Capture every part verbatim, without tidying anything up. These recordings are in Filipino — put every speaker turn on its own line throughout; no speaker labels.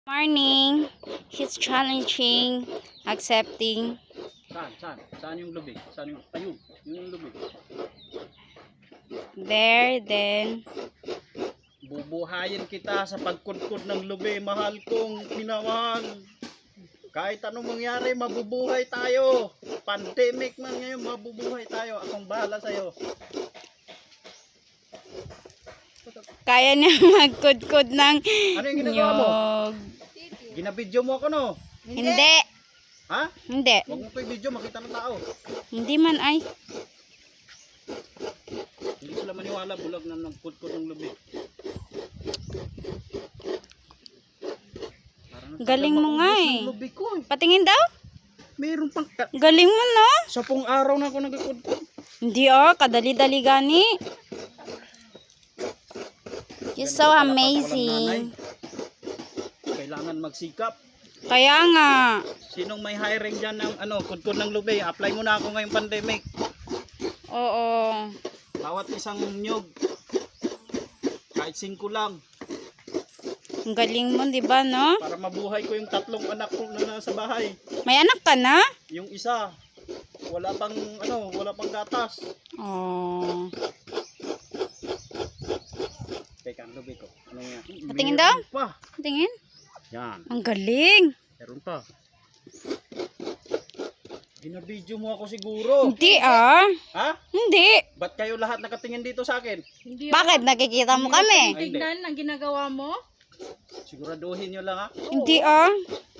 Morning. He's challenging, accepting.
Saan? Saan? Saan yung lubig? Saan yung... Ayun. Yun yung lubig.
There, then.
Bubuhayin kita sa pagkudkod ng lubig. Mahal kong minamahal. Kahit anong mangyari, mabubuhay tayo. Pandemic man ngayon, mabubuhay tayo. Akong bahala sa'yo.
Kaya niya magkudkod ng
Ano yung ginagawa mo?
nyog.
Ginabidyo mo ako, no?
Hindi.
Ha?
Hindi.
Huwag mo pa yung video, makita ng tao.
Hindi man ay.
Hindi sila maniwala, bulag na nagkudkod ng lubig.
Galing mo nga eh.
Lubig ko eh.
Patingin daw?
Meron pang...
Galing mo no?
Sapong araw na ako nagkudkod.
Hindi oh, kadali-dali gani. You're so amazing.
Kailangan magsikap.
Kaya nga.
Sinong may hiring dyan ng ano, kudkod ng lubig? Apply mo na ako ngayong pandemic.
Oo.
Bawat isang nyog. Kahit singko lang.
Ang galing mo, di ba, no?
Para mabuhay ko yung tatlong anak ko na nasa bahay.
May anak ka na?
Yung isa, wala pang ano, wala pang gatas.
Oh.
Teka, ang lubig ko. Ano nga?
Patingin daw?
Meron pa.
Tingin.
Yan.
Ang galing.
Meron pa. Binabidyo mo ako siguro.
Hindi ah.
Ha?
Hindi.
Ba't kayo lahat nakatingin dito sa akin?
Hindi
Bakit? Nakikita mo kami?
Ay, hindi.
tignan ang ginagawa mo?
Siguraduhin nyo lang ha.
Hindi ah.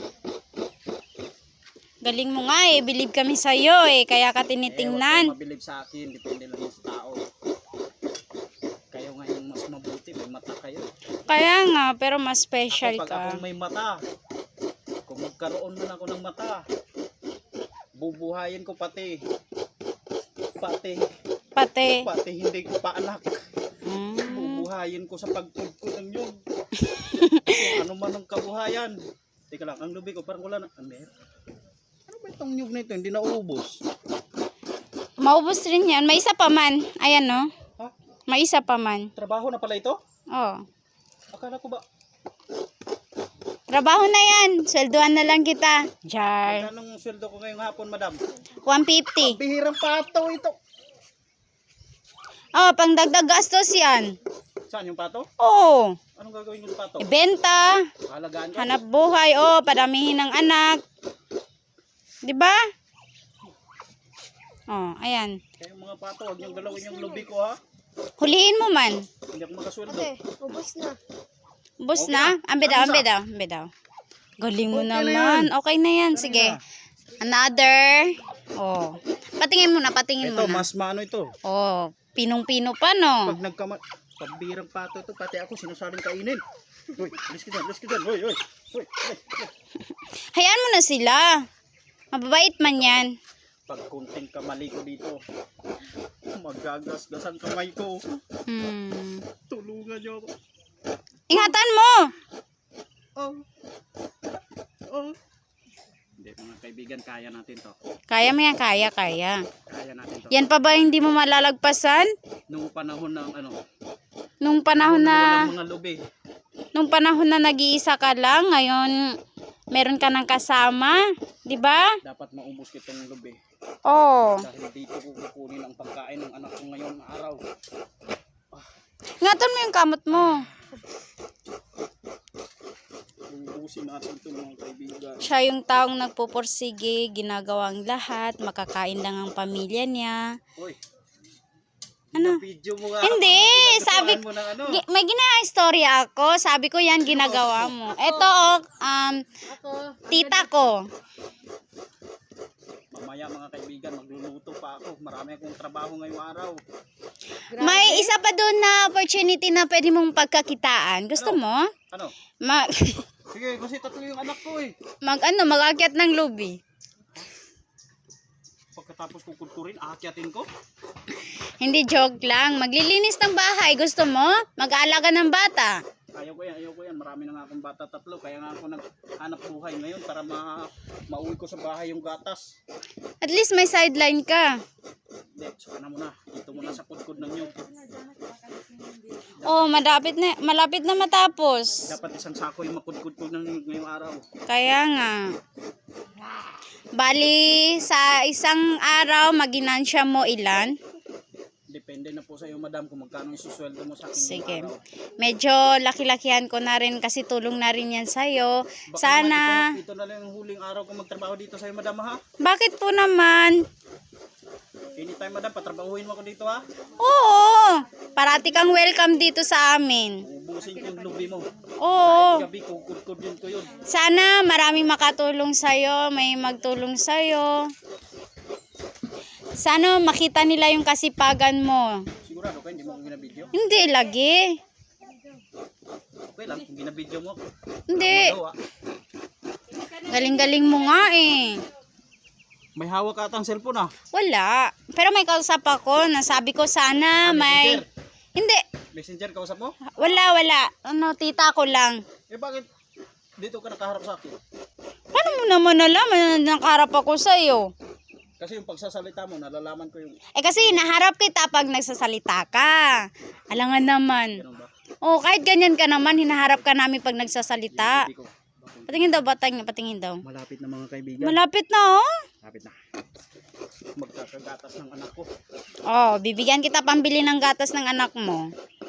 Galing mo nga eh. Believe kami sa'yo eh. Kaya ka
Eh, huwag
tinitingnan.
kayong mabilib sa akin. Depende lang yun sa tao. Kayo nga yung mas mabuti. May mata kayo.
Kaya nga. Pero mas special
Ako, pag
ka.
akong may mata, kung magkaroon man ako ng mata, bubuhayin ko pati. Pati.
Pati.
Pati hindi ko pa anak.
Mm.
Bubuhayin ko sa pagkudkod ng yun. Ano man ang kabuhayan. Teka lang, ang lubig ko parang wala na. Ah, meron. Ano ba itong nyug na ito? Hindi na ubos.
Maubos rin yan. May isa pa man. Ayan no.
Ha?
May isa pa man.
Trabaho na pala ito?
Oh.
Akala ko ba?
Trabaho na yan. Sweldoan na lang kita. Jar.
Anong sweldo ko ngayong hapon, madam?
one fifty.
Bihirang pato ito.
Oh, pang dagdag gastos yan.
Saan yung pato?
Oh.
Anong gagawin yung pato?
Ibenta.
Halagaan ko?
Hanap buhay. Oh, padamihin ng anak. Di ba? Oh, ayan.
Kaya yung mga pato, huwag niyong galawin yung lubig ko ha.
Huliin mo man.
Hindi ako makasweldo.
Ubus na.
Bus
Okay.
na? Ambe daw,
Ano
ambe
sa?
daw, ambe daw. Galing mo
Okay na
naman.
yan.
Okay na yan.
Ganun
Sige.
na.
Another. Oh. Patingin mo na, patingin
Ito,
mo na.
mas maano ito.
Oh, pinong-pino pa no.
Pag nagkama... Pambirang pato ito, pati ako sinasaling kainin. Uy, alis ka dyan, alis ka dyan. Uy, uy, uy, alis, alis.
Hayaan mo na sila. Mababait man yan.
Pag kunting kamali ko dito, magagasgas ang kamay ko.
Hmm.
Tulungan niyo ako.
Ingatan mo.
Oh. Oh. Hindi, mga kaibigan, kaya natin to.
Kaya mo yan, kaya, kaya.
Kaya natin to.
Yan pa ba hindi mo malalagpasan?
Nung panahon ng ano,
Nung panahon na,
walang mga lubig.
nung panahon na nag-iisa ka lang, ngayon meron ka ng kasama, di ba?
Dapat maubos kitong lubig.
Oh.
Dahil dito ko kukunin ang pagkain ng anak ko ngayon na araw.
Ingatan mo yung kamot mo.
Ubusin natin ito mga kaibigan.
Siya yung taong nagpupursige, ginagawang lahat, makakain lang ang pamilya niya.
Uy.
Ano?
Video mo nga.
Hindi,
ako,
sabi
mo ng ano.
Gi- may gina-istorya ako. Sabi ko yan, ginagawa mo. Ito, oh, um,
Ako.
tita ko.
Mamaya mga kaibigan, magluluto pa ako. Marami akong trabaho ngayong araw.
May isa pa doon na opportunity na pwede mong pagkakitaan. Gusto mo?
Ano?
Mag,
Sige, kasi tatlo yung anak ko eh.
mag ano, mag-akyat ng lobby.
Pagkatapos kukulturin, aakyatin ko.
Hindi, joke lang. Maglilinis ng bahay. Gusto mo? Mag-aalaga ng bata.
Ayaw ko yan, ayaw ko yan. Marami na nga akong bata tatlo. Kaya nga ako naghanap buhay ngayon para ma mauwi ko sa bahay yung gatas.
At least may sideline ka.
Hindi, saka na muna. Dito muna sa kudkod ng nyug.
Oh, malapit na, malapit na matapos.
Dapat isang sako yung makudkod ko ng nyug ngayong araw.
Kaya nga. Bali, sa isang araw, maginansya mo ilan?
Depende na po sa iyo, madam, kung magkano isusweldo mo sa akin
Sige.
ngayong araw.
Medyo laki-lakihan ko na rin kasi tulong na rin yan sa'yo.
Baka
Sana,
naman Ito, ito na lang yung huling araw ko magtrabaho dito sa iyo, madam, ha?
bakit po naman?
Anytime, madam, patrabahuin mo ako dito, ha?
Oo, parati kang welcome dito sa amin.
Ubusin ko yung lubi mo.
Oo,
Kahit gabi, kukudkod din ko yun.
sana maraming makatulong sa'yo, may magtulong sa'yo. Sana makita nila yung kasipagan mo.
Sigurado ka, hindi mo ako ginabidyo?
Hindi lagi.
Okay lang, kung ginabidyo mo ako.
Hindi.
Magawa.
Galing-galing mo nga eh.
May hawak ka atang cellphone, ah.
Wala. Pero may kausap ako. Nasabi ko sana may...
Messenger.
Hindi.
Messenger, kausap mo?
Wala, wala. Ano, tita ko lang.
Eh, bakit dito ka nakaharap sa akin?
Paano mo naman alam na nakaharap ako sa'yo?
Kasi yung pagsasalita mo, nalalaman ko yung...
Eh kasi naharap kita pag nagsasalita ka. Alangan naman.
Ganun ba?
Oh, kahit ganyan ka naman, hinaharap ka namin pag nagsasalita.
Hindi ko.
Patingin daw, batang, patingin daw.
Malapit na mga kaibigan.
Malapit na oh.
Malapit na. Magkakagatas ng anak ko.
Oh, bibigyan kita pambili ng gatas ng anak mo.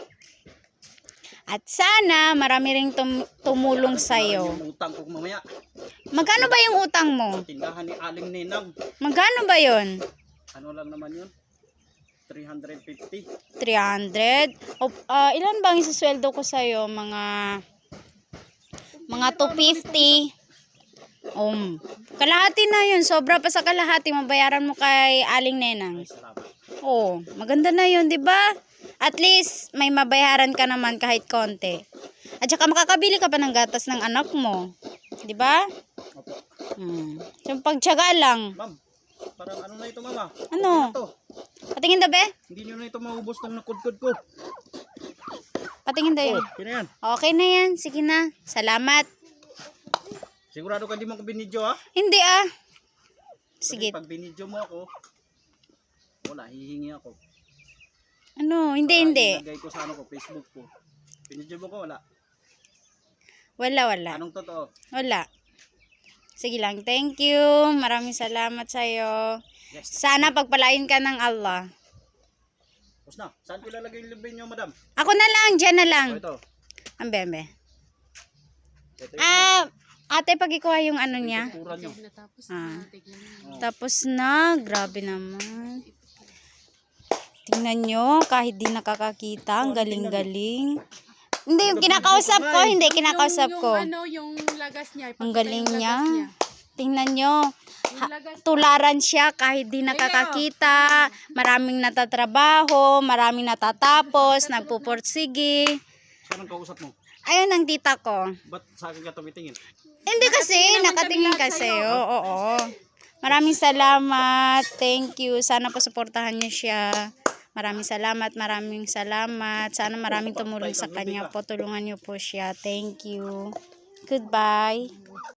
At sana marami ring tum- tumulong sa'yo.
Yung utang ko mamaya.
Magkano ba yung utang mo?
Tindahan ni Aling Ninang.
Magkano ba yon?
Ano lang naman yun? three hundred fifty.
three hundred? O, ah, ilan bang isusweldo ko sa'yo? Mga... Mga two fifty. Um, kalahati na yun. Sobra pa sa kalahati. Mabayaran mo kay Aling Nenang.
Ay, salamat.
Oh, maganda na yun, di ba? At least, may mabayaran ka naman kahit konti. At saka makakabili ka pa ng gatas ng anak mo. Di ba?
Opo.
Hmm. So, pagtyaga lang.
Ma'am, parang ano na ito, mama?
Ano?
Okay na to.
Patingin daw, be?
Hindi nyo na ito maubos ng nakudkod ko.
Patingin daw
Oh,
yun.
kina yan.
Okay na yan. Sige na. Salamat.
Sigurado ka di mo ko binidyo, ha?
Hindi ah.
Kasi
Sige.
pag binidyo mo ako, wala, hihingi ako.
Ano? Hindi,
Para
hindi.
ilagay ko sa ano ko, Facebook ko. Binidyo mo ko, wala.
Wala, wala.
Anong totoo?
Wala. Sige lang. Thank you. Maraming salamat sa'yo.
Yes.
Sana pagpalain ka ng Allah.
Tapos na. Saan ko ilalagay yung libre nyo, madam?
Ako na lang. Diyan na lang.
O, ito.
Ang bembe.
Ito yung
Ah, ate, pag ikuha yung ano niya.
kultura nyo.
Ah.
Oh.
Tapos na. Grabe naman. Tingnan nyo. Kahit di nakakakita. Ang galing-galing. Hindi, yung kinakausap ko. Hindi, kinakausap
yung,
ko.
Yung ano, yung lagas niya.
Ang
ipakita
galing
yung
niya.
lagas niya.
Tingnan nyo.
Yung lagas.
Tularan siya kahit di nakakakita. Maraming natatrabaho. Maraming natatapos. Nagpupursige.
Saan ang kausap mo?
Ayun ang tita ko.
Ba't sa akin ka tumitingin?
Hindi kasi, nakatingin kasi. Oo, oo. Maraming salamat. Thank you. Sana po suportahan niyo siya. Maraming salamat, maraming salamat. Sana maraming tumulong sa kanya po. Tulungan niyo po siya. Thank you. Goodbye.